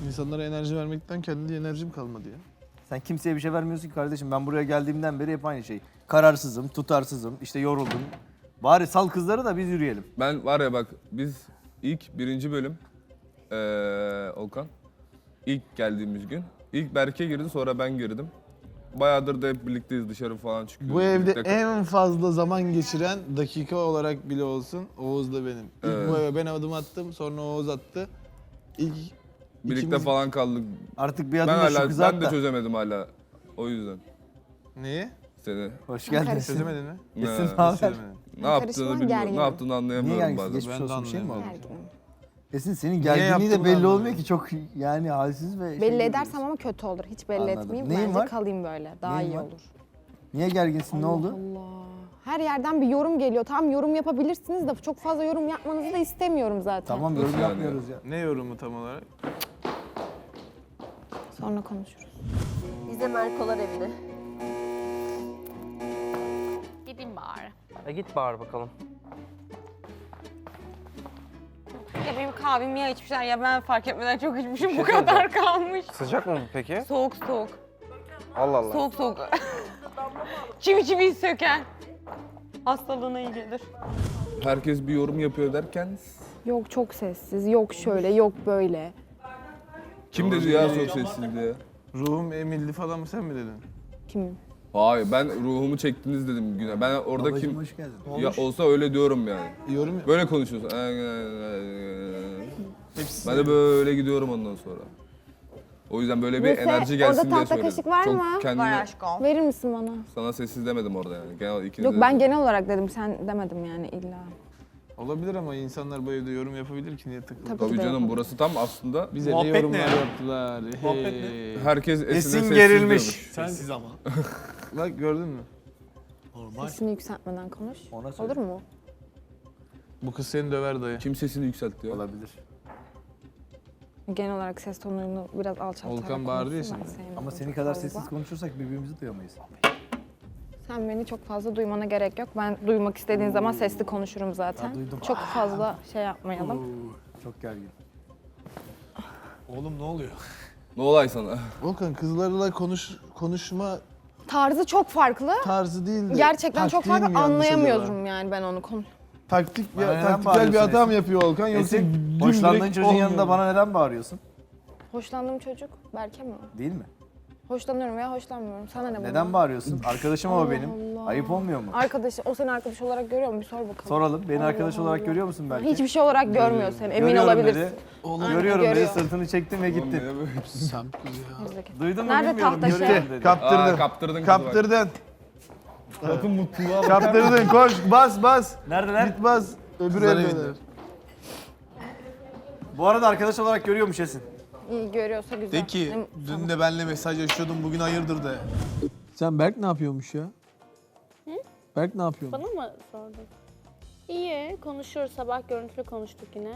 İnsanlara enerji vermekten kendi enerjim kalmadı ya. Sen kimseye bir şey vermiyorsun ki kardeşim. Ben buraya geldiğimden beri hep aynı şey. Kararsızım, tutarsızım, işte yoruldum. Bari sal kızları da biz yürüyelim. Ben var ya bak biz ilk birinci bölüm Olkan ilk geldiğimiz gün ilk Berke girdi sonra ben girdim. Bayağıdır da hep birlikteyiz dışarı falan çıkıyoruz. Bu evde birlikte- en fazla zaman geçiren dakika olarak bile olsun Oğuz da benim. İlk Evet. bu eve ben adım attım sonra Oğuz attı. İlk birlikte ikimiz- falan kaldık. Artık bir Ben adım da şu hala kızı ben at de da. çözemedim hala. O yüzden Neyi? seni. Hoş geldin. Çözemedin mi? Esin Ne? ne haber? Çözemedim. Ne yaptığını Karışma, bilmiyorum. gerginim. Ne yaptığını Niye anlayamıyorum gerginsin? bazen. Geçmiş Ben de olsun bir şey mi oldu? anlayamadım. Gerginim. Esin senin gerginliği de yaptığını belli olmuyor anlamıyorum. ki. Çok yani halsiz ve Belli şey edersem ama kötü olur. Hiç belli Anladım. etmeyeyim. Neyin Bence var? kalayım böyle. Daha Neyin iyi var? olur. Niye gerginsin? Ne Allah oldu? Allah. Her yerden bir yorum geliyor. Tamam yorum yapabilirsiniz de çok fazla yorum yapmanızı da istemiyorum zaten. Tamam yorum Nasıl yani? yapmıyoruz ya. Ne yorumu tam olarak? Sonra konuşuruz. Biz de Merkolar evine. Gideyim bari. Git bağır bakalım. Ya benim kahvem ya içmişler ya ben fark etmeden çok içmişim şey bu kadar kalmış. Sıcak mı bu peki? Soğuk soğuk. Allah Allah. Soğuk soğuk. çivi söken. Hastalığına iyi gelir. Herkes bir yorum yapıyor derken Yok çok sessiz, yok şöyle, yok böyle. kim dedi ya çok sessiz diye. Ruhum emildi falan mı sen mi dedin? Kim? Hayır ben ruhumu çektiniz dedim güne. Ben orada Babacığım kim hoş geldin. ya olsa öyle diyorum yani. Yorum Böyle konuşuyorsun. Ben de böyle gidiyorum ondan sonra. O yüzden böyle bir Buse, enerji gelsin orada diye tahta söyledim. kaşık var Çok mı? kendimi Var aşkım. Verir misin bana? sana sessiz demedim orada yani. Genel ikiniz Yok de ben dedim. genel olarak dedim, sen demedim yani illa. olabilir ama insanlar bu evde yorum yapabilir ki niye takılır? Tabii. Tabii de canım yapalım. burası tam aslında Bize Muhabbet ne ne yorumlar ya? yaptılar. Muhabbet Hey. herkes Esin'e Esin sessiz gerilmiş. diyormuş. Sessiz ama. Bak gördün mü? Sesini yükseltmeden konuş. Ona söyle. Olur mu? Bu kız seni döver dayı. Kim sesini yükseltti ya? Olabilir. Genel olarak ses tonunu biraz alçaltarak Volkan bağırdı ya konuşsun, ben şimdi. sevmiyorum Ama seni çok kadar fazla. sessiz konuşursak birbirimizi duyamayız. Sen beni çok fazla duymana gerek yok. Ben duymak istediğin zaman sesli konuşurum zaten. Ha, duydum. Çok fazla şey yapmayalım. Çok gergin. Oğlum ne oluyor? Ne olay sana? Volkan kızlarla konuşma Tarzı çok farklı. tarzı değil de Gerçekten çok taktiği mi farklı, yanlış acaba? anlayamıyorum yani ben onu. Taktik Bana neden taktiksel bir bağırıyorsun hata mı Esin? yapıyor Volkan yoksa Esin, dümdürek hoşlandığın çocuğun olmuyor yanında mu? bana neden bağırıyorsun? Hoşlandığım çocuk Berke mi? Değil mi? Hoşlanıyorum veya hoşlanmıyorum. Sana ne bundan? Neden bağırıyorsun? Arkadaşım o Allah benim. Allah. Ayıp olmuyor mu? Arkadaş, o seni arkadaş olarak görüyor mu? Bir sor bakalım. Soralım. Beni Allah arkadaş olarak Allah. görüyor musun belki? Hiçbir şey olarak görmüyor seni. Emin Görüyorum olabilirsin. dedi. Aynen, Görüyorum dedi. görüyor. Sırtını çektim ve gittim. Sen kız ya. Gerizekalı. Duydun mu Nerede bilmiyorum. tahta şey? Görüyorum dedi. Kaptırdın. Kaptırdın kızı bak. Kaptırdın. Bakın mutluluğa bak. Kaptırdın. Koş bas bas. Neredeler? Git bas. Öbür Kızlar evdeler. Bu arada arkadaş olarak görüyormuş Esin. İyi görüyorsa güzel. De ki dün de benle mesajlaşıyordun bugün hayırdır de. Sen Berk ne yapıyormuş ya? Berk ne yapıyormuş? Bana mı sordun? İyi, konuşuyoruz. Sabah görüntülü konuştuk yine.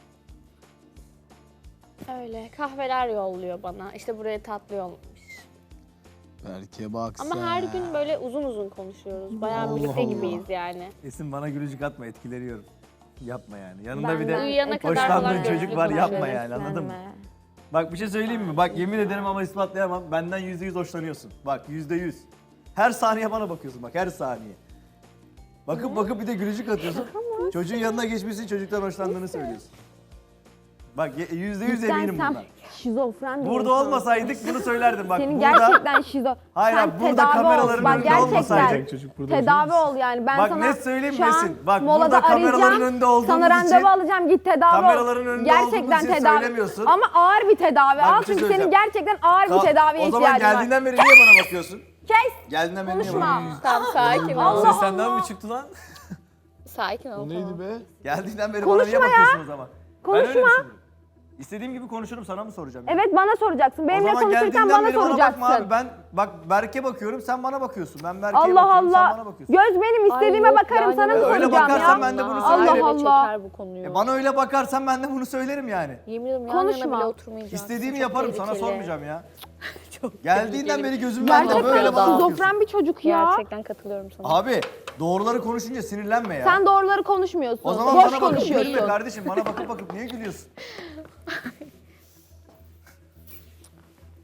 Öyle, kahveler yolluyor bana. İşte buraya tatlı yollamış. Berk'e bak Ama her gün böyle uzun uzun konuşuyoruz. Bayağı birlikte gibiyiz yani. Esin bana gülücük atma etkileniyorum. Yapma yani. Yanında Ben bir de- de Uyuyana kadar hoşlandığın falan çocuk görüntülü var yapma konuşuyoruz. yani anladın mı? Beslenme. Bak bir şey söyleyeyim mi? Bak yemin ederim ama ispatlayamam. Benden %100 hoşlanıyorsun. Bak %100. Her saniye bana bakıyorsun bak her saniye. Bakıp bir de gülücük atıyorsun. Çocuğun yanına geçmişsin çocuktan hoşlandığını söylüyorsun. Bak %100 Cidden eminim sen bundan. şizofren bir Burada insansın. olmasaydık bunu söylerdim bak. Senin burada, gerçekten Hayır, sen abi, burada tedavi kameraların ol. Bak önünde gerçekten olmasaydı. Çocuk burada tedavi ol yani. Ben Bak sana net söyleyeyim şu an Mesin. Bak molada burada kameraların arayacağım. önünde olduğumuz Sana randevu için alacağım git tedavi kameraların ol. önünde Gerçekten olduğumuz için tedavi. söylemiyorsun. Ama ağır bir tedavi. Bak, Al bir şey çünkü senin söyleyeceğim. gerçekten ağır bir tedaviye O zaman ihtiyacın var. geldiğinden beri niye bana bakıyorsun? Kes. Geldiğinden beri niye Konuşma. bakıyorsun? Tamam, sakin ol. Allah Senden Allah. mi çıktı lan? Sakin ol. O neydi tamam. be? Geldiğinden beri Konuşma bana niye bakıyorsun o zaman? Ben öyle Konuşma. düşünüyorum. İstediğim gibi konuşurum sana mı soracağım? Evet bana soracaksın. O Benimle zaman konuşurken geldiğinden bana beri bana bakma soracaksın. abi. Ben bak Berk'e bakıyorum sen bana bakıyorsun. Ben Berk'e Allah bakıyorum sen Allah. bana bakıyorsun. Göz benim istediğime Ay yok, bakarım yani sana mı öyle soracağım bakarsan ya? ben de bunu Allah söylerim. Allah. Çeker bu konuyu. Bana öyle bakarsan ben de bunu söylerim yani. Yemin ediyorum yan Konuşma. yana bile oturmayacağız. İstediğimi Çok yaparım sana tehlikeli. sormayacağım ya. Çok Geldiğinden tehlikeli. beri gözümün önünde Gerçekten böyle bana bakıyorsun. şizofren bir çocuk ya. Gerçekten katılıyorum sana. Abi doğruları konuşunca sinirlenme ya. Sen doğruları konuşmuyorsun. O zaman Boş bana bakıp gülme konuşuyorsun. kardeşim. Bana bakıp niye gülüyorsun?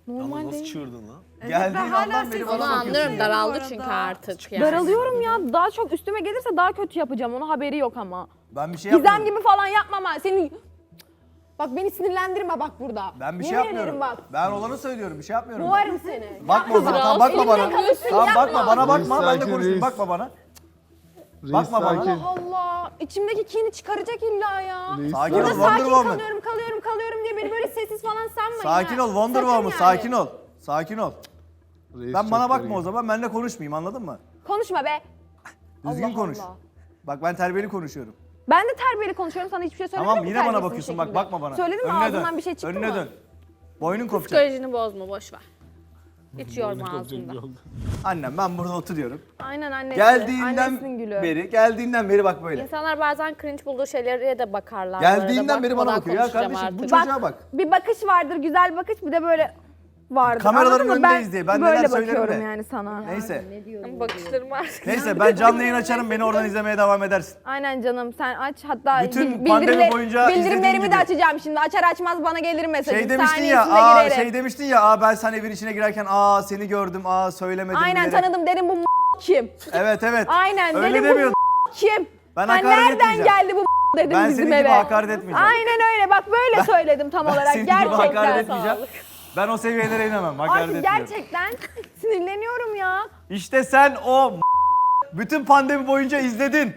Normal Nasıl değil. çığırdın lan? Geldiğin andan beri Onu bana bakıyorsun. anlıyorum ya. daraldı çünkü artık. Yani. Daralıyorum ya. Daha çok üstüme gelirse daha kötü yapacağım. Onun haberi yok ama. Ben bir şey Gizem yapmıyorum. gibi falan yapmama. Seni... Bak beni sinirlendirme bak burada. Ben bir şey Yemin yapmıyorum. ederim bak. Ben olanı söylüyorum. Bir şey yapmıyorum. Boğarım seni. Bakma o zaman. Tamam bakma bana. kalırsın, Tamam yapma. bakma bana bakma. Reis, Ben de sakin, konuşayım. reis. Bakma bana. Reis Bakma bana. sakin. Allah Allah. İçimdeki kini çıkaracak illa ya. Reis Sakin Burada ol Wonder sakin Woman. kalıyorum diye beni böyle sessiz falan sanmayın. Sakin ha. ol Wonder Sakın Woman. yani. Sakin ol. Sakin ol. Reis Ben çok bana bakma gergin. o zaman. Benle konuşmayayım anladın mı? Konuşma be. Düzgün Allah konuş. Allah. Bak ben terbiyeli konuşuyorum. Ben de terbiyeli konuşuyorum sana hiçbir şey söylemedim Tamam mi yine bana terbiyesiz bir bakıyorsun bak şekilde? bakma bana. Söyledim mi Önüne ağzından dön. bir şey çıktı Önüne mı? dön. Boynun kopacak. Psikolojini bozma boş ver. Hiç yorma ağzında. Annem ben burada oturuyorum. Aynen annesi. Geldiğinden Annesinin gülü. geldiğinden beri bak böyle. İnsanlar bazen cringe bulduğu şeylere de bakarlar. bu arada. Geldiğinden beri bana Bakmadan bakıyor. Ya konuşacağım kardeşim bu artık. çocuğa bak. Bir bakış vardır, güzel bakış, bir de böyle vardır. Kameraların Anladın mı? önündeyiz diye. Ben neler böyle söylerim bakıyorum de. yani sana. Neyse. Bakışlarım artık. Neyse ben canlı yayın açarım beni oradan izlemeye devam edersin. Aynen canım sen aç hatta Bütün pandemi boyunca izlediğin bildirimlerimi gibi. de açacağım şimdi. Açar açmaz bana gelir mesajım. Şey demiştin ya, şey demiştin ya, ben sen evin içine girerken seni gördüm, söylemedim Aynen diyerek. tanıdım derim bu kim? Evet. Aynen Öyle dedim demiyordun. bu kim? Ben Ha, hakaret nereden etmeyeceğim. geldi bu dedim Ben bizim senin gibi eve. hakaret etmeyeceğim. Aynen öyle bak böyle söyledim tam Ben olarak senin gibi hakaret gerçekten. etmeyeceğim. Ben o seviyelere inemem, hakaret Artık etmiyorum. gerçekten sinirleniyorum ya. İşte sen o bütün pandemi boyunca izledin.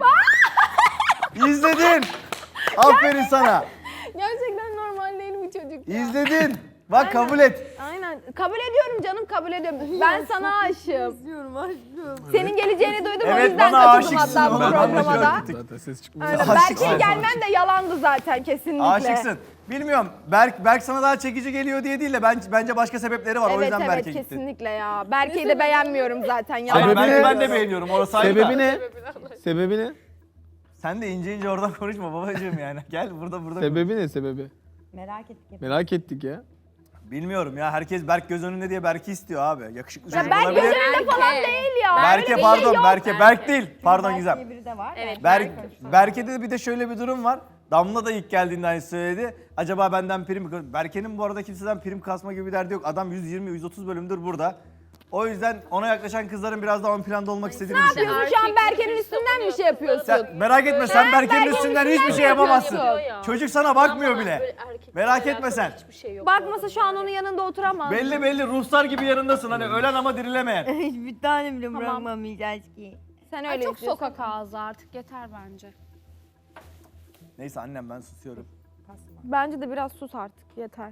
İzledin. Aferin sana. Gerçekten normal değil bu çocuk ya. İzledin. Bak kabul et. Aynen. Kabul ediyorum canım, kabul ediyorum. Ben sana aşığım. Senin geleceğini duydum o Evet, yüzden bana katıldım aşıksın. hatta bu Ben programa da. anlaşıyorum. Zaten ses çıkmıyor. Aynen. Aşıksın. Berke'ye gelmem de yalandı zaten kesinlikle. Aşıksın. Bilmiyorum. Berk sana daha çekici geliyor diye değil de bence başka sebepleri var. O Evet yüzden evet Berk'e gittin. kesinlikle ya. Berke'yi de beğenmiyorum zaten. Yalan Hayır, Sebebi Berk'i ne? ben de beğeniyorum. Orası ayrı Sebebi da. ne? Sebebi ne? Sen de ince oradan konuşma babacığım yani. Gel burada. Sebebi ne sebebi? Merak ettik. Merak ettik ya. Bilmiyorum ya. Herkes Berk göz önünde diye Berk'i istiyor abi. Yakışıklı Ya çocuk Berk olabilir. gözünde falan değil ya. Berke Öyle bir pardon. şey yok. Berk değil. Pardon Gizem. Biri de var. Evet. Berke'de de bir de şöyle bir durum var. Damla da ilk geldiğinde aynı söyledi. Acaba benden prim mi? Berke'nin bu arada kimseden prim kasma gibi bir derdi yok. Adam 120-130 bölümdür burada. O yüzden ona yaklaşan kızların biraz daha ön planda olmak istediğini Ne düşünüyorum. yapıyorsun şu an Berke'nin üstünden bir şey yapıyorsun? Sen, merak etme sen Berke'nin üstünden hiçbir şey yapamazsın. yapıyor ya. Çocuk sana bakmıyor Ama bile. böyle erkekle Merak etme alakalı sen. Hiçbir şey yok. Bakmasa şu an onun yanında oturamaz. Belli ruhsar gibi yanındasın hani ölen ama dirilemeyen. Hiçbir tane bile Tamam. bırakmamayacağız ki. Sen Ay, öyle çok istiyorsun. sokak ağzı artık yeter bence. Neyse annem ben susuyorum. Bence de biraz sus artık yeter.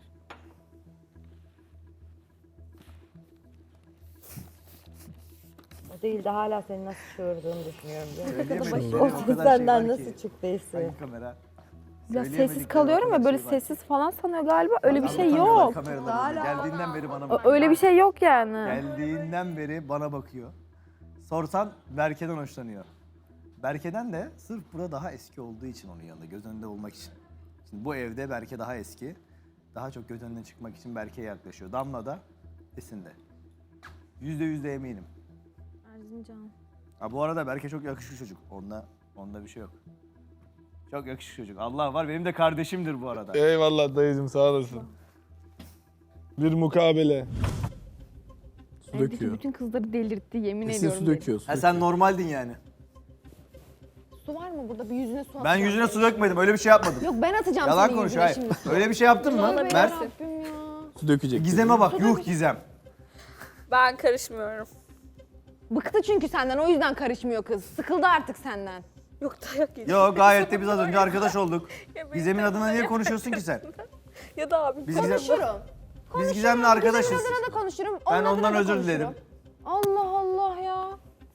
O değil de hala seni nasıl çığırdığını düşünüyorum. Söyleyemedik. O O ses kadar şey senden var nasıl ki. çıktıysa. Hangi kamera? Biraz Söyleyemedikleri sessiz o kalıyorum kadar ya böyle şey var. sessiz falan sanıyor galiba. Öyle bir şey Anlatamıyorlar yok. kameraların önünde. Geldiğinden beri bana bakıyor. Öyle bir şey yok yani. Geldiğinden beri bana bakıyor. Sorsan Berke'den hoşlanıyor. Berke'den de sırf burada daha eski olduğu için onun yanında göz önünde olmak için. Şimdi bu evde Berke daha eski. Daha çok göz önüne çıkmak için Berke'ye yaklaşıyor. Damla da Esin de. %100 de eminim. Erzincan. Ha bu arada Berke çok yakışıklı çocuk. Onda bir şey yok. Çok yakışıklı çocuk. Allah var benim de kardeşimdir bu arada. Eyvallah dayıcım sağ olasın. Bir mukabele. Su Evdeki döküyor. bütün kızları delirtti yemin Esin ediyorum. su döküyor. Su Ha sen normaldin yani. Su var mı burada? Bir yüzüne su Ben atacağım. yüzüne su dökmedim. Öyle bir şey yapmadım. Yok ben atacağım Yalan senin konuş yüzüne hayır. şimdi. Öyle bir şey yaptın mı? Tövbe Mert. yarabbim ya. Su dökecek. Gizem'e bak. Yuh Gizem. Ben karışmıyorum. Bıktı çünkü senden o yüzden karışmıyor kız. Sıkıldı artık senden. Yok dayak yiyeceğim. Yo gayet de biz az önce arkadaş olduk. Ya benim Gizem'in de- adına niye konuşuyorsun ki sen? Ya da abi. Biz Gizem, Konuşurum. biz Gizem'le arkadaşız. Gizem'in adına da konuşurum. Ben onun adına ondan da özür konuşurum. dilerim. Allah Allah ya.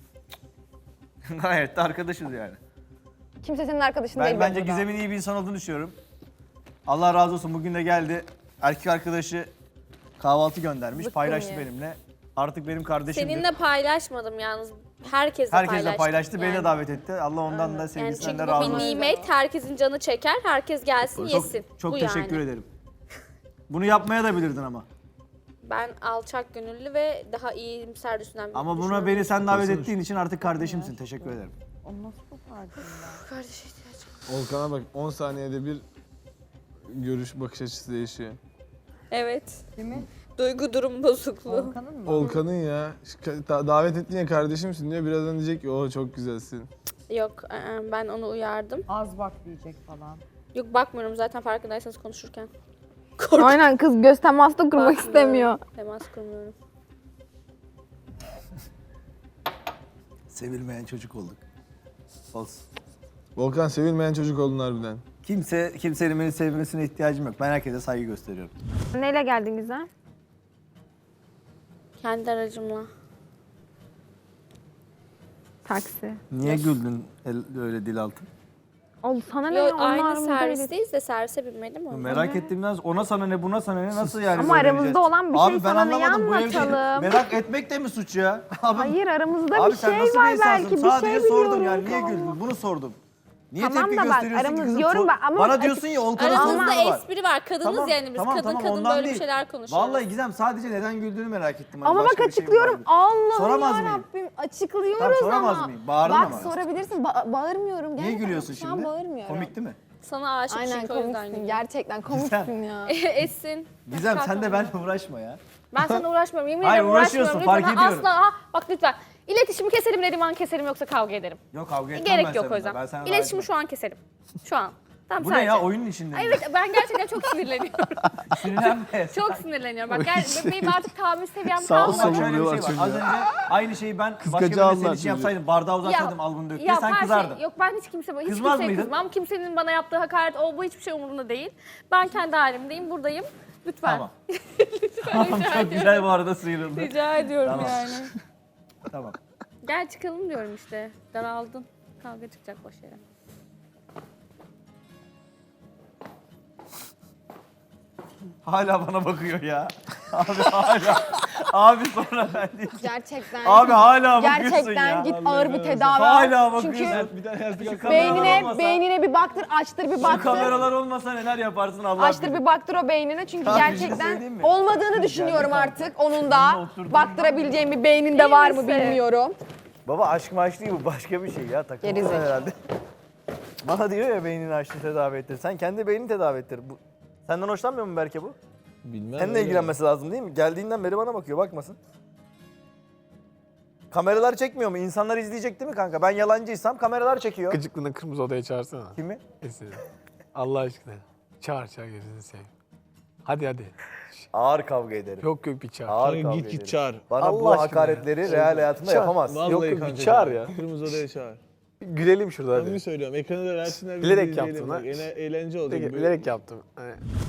Gayet de arkadaşız yani. Kimse senin arkadaşın değil Ben bence burada. Gizem'in iyi bir insan olduğunu düşünüyorum. Allah razı olsun bugün de geldi. Erkek arkadaşı kahvaltı göndermiş. Zıkkım Paylaştı ye. benimle. Artık benim kardeşimdir. Seninle paylaşmadım yalnız. Herkesle Herkesle paylaştı. Beni yani. de davet etti. Allah ondan da Yani sevgisinden çünkü de bu razı bir olsun. nimet. Herkesin canı çeker. Herkes gelsin yesin. Çok bu teşekkür yani. ederim. Bunu yapmaya da bilirdin ama. Ben alçak gönüllü ve daha iyimser düşünen bir Ama buna düşünüyorum. beni sen davet ettiğin için artık kardeşimsin. Teşekkür ederim. Kardeşe ihtiyacım. Volkan'a bak 10 saniyede bir görüş bakış açısı değişiyor. Evet. Duygu durum bozukluğu. Volkan'ın mı? Volkan'ın ya. Davet ettin ya kardeşimsin diyor. Birazdan diyecek ki o çok güzelsin. Yok ben onu uyardım. Az bak diyecek falan. Yok bakmıyorum zaten farkındaysanız konuşurken. Aynen kız göz teması da kurmak Bakmıyorum. istemiyor. Temas kurmuyorum. Sevilmeyen çocuk olduk. Olsun. Volkan sevilmeyen çocuk oldun harbiden. Kimsenin beni sevmesine ihtiyacım yok. Ben herkese saygı gösteriyorum. Neyle geldin güzel? Kendi aracımla. Taksi. Niye güldün öyle dil altı? Oğlum sana ne Yo, ya? Onlar aynı aramızda öyle- servisteyiz de servise binmedim mi? Merak ettiğimden ona sana ne buna sana ne nasıl yani Ama böyle aramızda bileceğiz? olan bir şey Abi ben sana neyi anlamadım bu evde anlatalım? merak etmek de mi suç ya? Abi, Hayır aramızda abi bir sen şey nasıl bir var insansın? belki bir Sadece şey sordum biliyorum. yani niye güldün bunu sordum. Niye Tamam tepki da bak, gösteriyorsun ki aramız- kızım? diyorum ben ama Bana açık- diyorsun ya Olkan'ın Aramızda sorunu var. espri var. Kadınız yani biz. Kadın ondan böyle değil. bir şeyler konuşuyoruz. Vallahi Gizem sadece neden güldüğünü merak ettim. Hani Ama bak başka bir şey mi açıklıyorum. vardı? Allah'ım Soramaz mıyım? yarabbim açıklıyoruz Tamam, soramaz ama. mıyım? Bağırdın bak ama. sorabilirsin. Bağırmıyorum. Niye Gerçekten gülüyorsun şu an şimdi? bağırmıyorum. Komik değil mi? Sana aşık Aynen çünkü o yüzden komiksin. gülüyorum. Gerçekten komiksin ya. Esin. Gizem sen de benimle uğraşma ya. Ben sana uğraşmıyorum. Yemin Hayır, ederim uğraşıyorsun, uğraşmıyorum. fark Lütfen. ediyorum. Asla. Bak lütfen. İletişimi keselim dediğim an keserim yoksa kavga ederim. Yok kavga etmem Gerek ben yok o seninle. yüzden. Ben sana İletişimi daha şu an keserim. Şu an. Tamam Bu sadece. ne ya oyunun içinde mi? Evet ben gerçekten çok sinirleniyorum. Sinirlenme. Çok sinirleniyorum. Bak benim artık tahammül seviyem Sağ ol, Bak kalmadı. sağ ol. şöyle bir şey var. Çocuğa. Az önce aynı şeyi ben başka Kıskaca birine senin aldılar için yapsaydım, bardağı uzatsaydım al bunu dök diye Ya sen her kızardın. Şey, yok ben hiç Kızmaz kimseye mıydın? kızmam. Kimsenin bana yaptığı hakaret bu hiçbir şey umurumda değil. Ben kendi halimdeyim, buradayım. Lütfen. Tamam. Tamam çok güzel bu arada sıyrıldı. Rica ediyorum Tamam. yani. Tamam. Gel çıkalım diyorum işte. Daraldın. Kavga çıkacak boş yere. Hala bana bakıyor ya. Abi hala. Abi sonra ben değil. Gerçekten. Abi hala bakıyorsun Gerçekten ya. git ağır bir tedavi Hala al. bakıyorsun. Çünkü Bir tane yazdık. Şu kameralar olmasa- beynine bir baktır, açtır bir Şu baktır. kameralar olmasa neler yaparsın Allah Açtır bilir. bir baktır o beynine çünkü Abi, bir şey gerçekten söyleyeyim mi? olmadığını düşünüyorum artık onun da. oturdum. Baktırabileceğim bir beyninde var mı misin? bilmiyorum. Baba aşk maş değil bu başka bir şey ya. Takılma Gerizekalı. herhalde. Bana diyor ya beynini açtı tedavi ettir. Sen kendi beynini tedavi ettir. Senden hoşlanmıyor mu Berke bu? Bilmem. Seninle ilgilenmesi lazım değil mi? Geldiğinden beri bana bakıyor bakmasın. Kameralar çekmiyor mu? İnsanlar izleyecek değil mi kanka? Ben yalancıysam kameralar çekiyor. Gıcıklığına kırmızı odaya çağırsana. Kimi? Esin. Allah aşkına. Çağır gözünü seveyim. Hadi. Ağır kavga ederim. Yok bir çağır. Ağır Kanka kavga git ederim. çağır. Bana Allah bu aşkına hakaretleri ya. real hayatında Çağır. yapamaz. Vallahi Yok, bir kanka çağır ya. Kırmızı odaya çağır. Gülelim şurada Samimi hadi. söylüyorum. Ekranı da versinler. biz Bilerek izleyelim. yaptın Bak, ha. Eğlence olacak. Bilerek yaptım.